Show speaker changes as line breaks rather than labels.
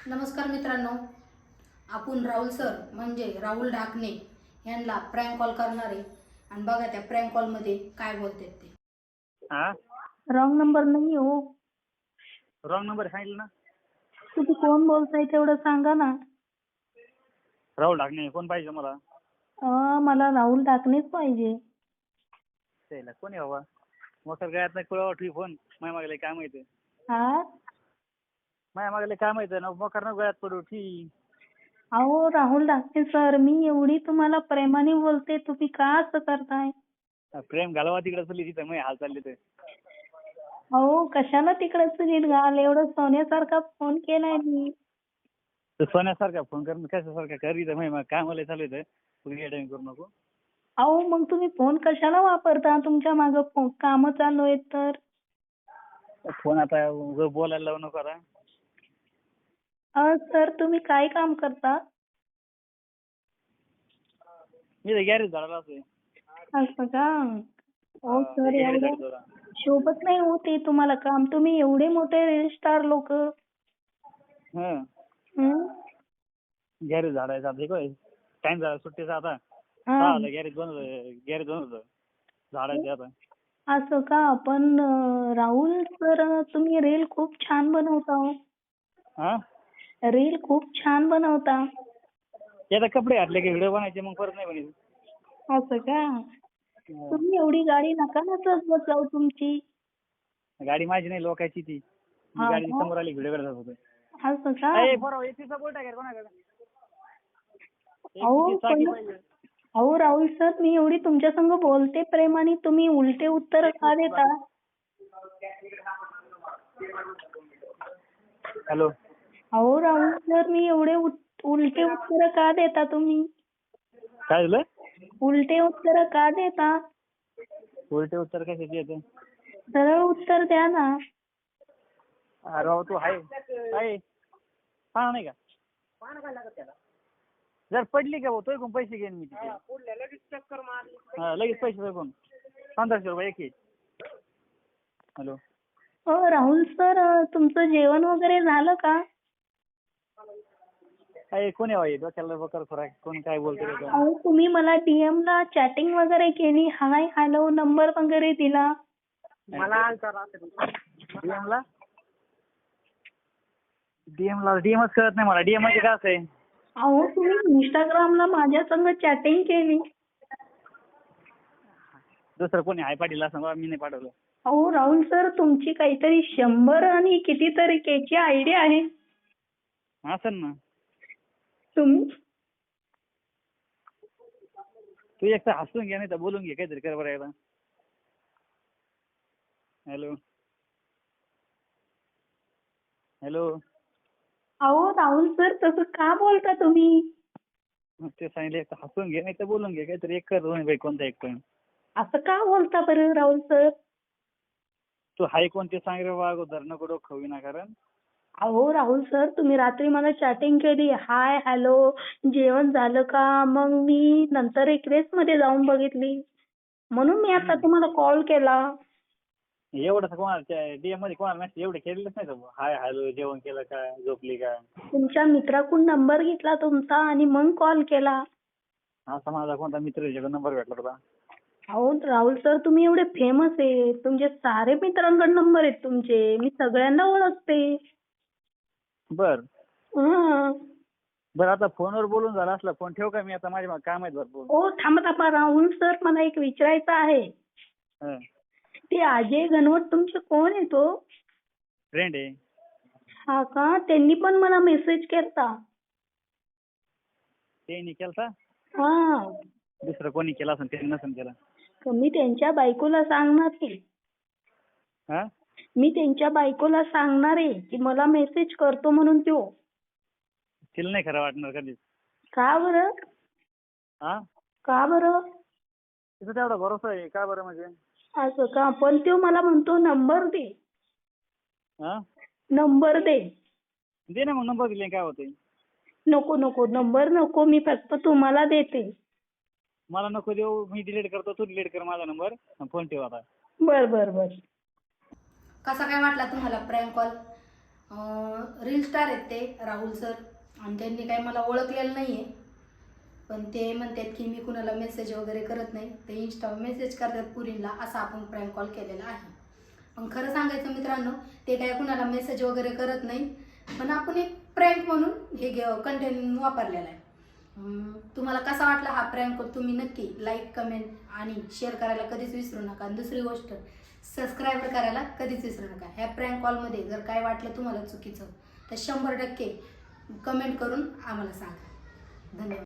नमस्कार मित्रांनो, आपण राहुल सर म्हणजे राहुल ढाकणे यांना प्रँक कॉल करणार आहे आणि बघा त्या प्रँक कॉल मध्ये काय बोलतात ते.
हा
रॉंग नंबर नाही हो.
रॉंग नंबर सांगितलं ना.
तुम्ही कोण बोलताय तेवढं सांगा ना.
राहुल ढाकणे कोण पाहिजे मला?
मला राहुल ढाकणेच पाहिजे.
त्याला कोण आहे बाबा? मोटर गळ्यात नाही कुळावर ठेवी फोन. माय मागले काय माहिती?
हा
माय मागले काय माहिती ना, मोकर न गळ्यात पडू ठी.
अहो राहुल ढाकणे सर, मी एवढी तुम्हाला प्रेमाने बोलते, तुम्ही का असं करताय?
प्रेम घालवा तिकडे चली तिथं मग हाल चालले ते.
अहो कशाला तिकडच नीट घाल, एवढं सोन्यासारखा फोन केलाय मी.
तर सोन्यासारखा फोन कर, कशासारखा कर इथं मग काय मला चालू येतं. तुम्ही येडे करू नको.
अहो मग तुम्ही फोन कशाला वापरता? तुमच्या मागं काम चालू आहेत तर.
फोन आता उगाच बोलायला लावू नको आता.
सर तुम्ही काय काम करता?
मी तर गॅरेज झाडाला असेल.
असं का? हो सर,
गॅरेज
एवढं
झाडतो.
शोभत नाही होते तुम्हाला काम. तुम्ही एवढे मोठे रील स्टार लोक.
हं गॅरेज झाडायचं आता काय टाइम झाला सुट्टीचा आता. गॅरेज बंद होतं झाडायचं आता.
असं का? पण राहुल सर, तुम्ही रील खूप छान बनवता हो.
हा
रील खूप छान बनवता.
ते आता कपडे घातले की व्हिडिओ बनायचे, मग परत नाही बनायचे.
असं का? तुम्ही एवढी गाडी नका ना सजवत जाऊ तुमची.
गाडी माझी नाही, लोकांची ती.
हा
गाडी
का?
समोर आली व्हिडिओ करत होतो.
असं का?
बरोबर एसीचा बोट आहे कोणाकडे?
अहो
एसीची चाकी पाहिजे.
अहो राहुल सर, मी एवढी तुमच्या संग बोलते प्रेमाने, तुम्ही उलटे उत्तर का देता?
हॅलो.
अहो राहुल सर, मी एवढे उलटे उत्तर का देता तुम्ही?
काय झालं?
उलटे उत्तर का देता?
उलटे उत्तर कशाचे येते?
सरळ उत्तर द्या ना.
अरे बाबा तू आहे पाहा नाही का? जर पडली का भाऊ तो कोण पैसे घेईन मी तिथे. लगेच पैसे कोण 1500 रुपये एक. हॅलो.
राहुल सर, तुमचं जेवण वगैरे झालं का?
काय कोण आहे डोक्याला बकर खोराक कोण काय बोलतो?
अहो तुम्ही मला DM ला चॅटिंग वगैरे केली, हाय हॅलो नंबर वगैरे दिला.
मला डीएमच कळत नाही मला. डीएम म्हणजे काय असं आहे?
अहो तुम्ही इंस्टाग्रामला माझ्या संग चॅटिंग केली.
दुसरं कोणी हाय पाटील असं मी नाही पाठवलं.
अहो राहुल सर, तुमची काहीतरी 100 आणि कितीतरी केची आयडी आहे.
असं ना.
तुम्ही
तू एक तर हसून घे नाही तर बोलून घे काहीतरी कर बरं एकदा. हॅलो. हॅलो.
अहो राहुल सर, तसं का बोलता तुम्ही?
ते सांगितलं एक तर हसून घे नाही तर बोलून घे काहीतरी एक कर दोन्ही कोणता एक पण.
असं का बोलता बरं राहुल सर?
तू हाय कोणते सांग रे बा अगोदर, नको डोकं विनाकारण.
अहो राहुल सर, तुम्ही रात्री मला चॅटिंग केली, हाय हॅलो जेवण झालं का? मग मी नंतर रिक्वेस्ट मध्ये जाऊन बघितली, म्हणून मी आता तुम्हाला कॉल केला.
एवढं कोणाला डीएम मध्ये कोणाला मेसेज एवढे केलेलंच नाही तर हाय हॅलो जेवण केलं का, झोपली का?
तुमच्या मित्राकडून नंबर घेतला तुमचा आणि मग कॉल केला.
असा माझा कोणता मित्र नंबर भेटला होता?
अहो राहुल सर, तुम्ही एवढे फेमस आहे, तुमचे सारे मित्रांकडे नंबर आहेत तुमचे, मी सगळ्यांना ओळखते.
बर
हं.
बरं आता फोनवर बोलून झाला असला फोन ठेव का मी आता माझ्या काम आहेत भरपूर.
ओ थांबा राहुल सर, मला एक विचारायचं आहे.
हं.
ते अजय घनवट तुमचे कोण आहे तो?
फ्रेंड आहे.
हा का? त्यांनी पण मला मेसेज केलता.
ते केलता?
हा.
दुसरं कोणी केला असेल ते नसेल केला.
मी त्यांच्या बायकोला सांगणार की.
हा
मी त्यांच्या बायकोला सांगणार आहे की मला मेसेज करतो म्हणून तो.
तिला नाही खरं वाटणार कधीच.
का बरं?
हा
का बरं?
तिथं तेवढा भरोसा आहे का बरं म्हणजे?
असं का? पण तो मला म्हणतो नंबर दे.
हा
नंबर दे.
दे ना मग नंबर दिले काय होते?
नको नंबर नको, मी फक्त तुम्हाला देते.
मला नको देऊ, मी डिलीट करतो, तू डिलीट कर माझा नंबर. फोन ठेव आता.
बर.
कसा काय वाटला तुम्हाला प्रँक कॉल? रील स्टार आहेत ते राहुल सर, आणि त्यांनी काही मला ओळखलेलं नाही आहे, पण ते म्हणतात की मी कुणाला मेसेज वगैरे करत नाही, ते इंस्टावर मेसेज करतात पुरीला, असा आपण प्रँक कॉल केलेला आहे. पण खरं सांगायचं मित्रांनो, ते काय कुणाला मेसेज वगैरे करत नाही, पण आपण एक प्रँक म्हणून हे कंटेंट वापरलेला आहे. तुम्हाला कसा वाटला हा प्रँक तुम्ही नक्की लाईक, कमेंट आणि शेअर करायला कधीच विसरू नका. आणि दुसरी गोष्ट, सबस्क्राईब करायला कधीच विसरू नका. ह्या प्रँक कॉलमध्ये जर काय वाटलं तुम्हाला चुकीचं तर 100% कमेंट करून आम्हाला सांगा. धन्यवाद.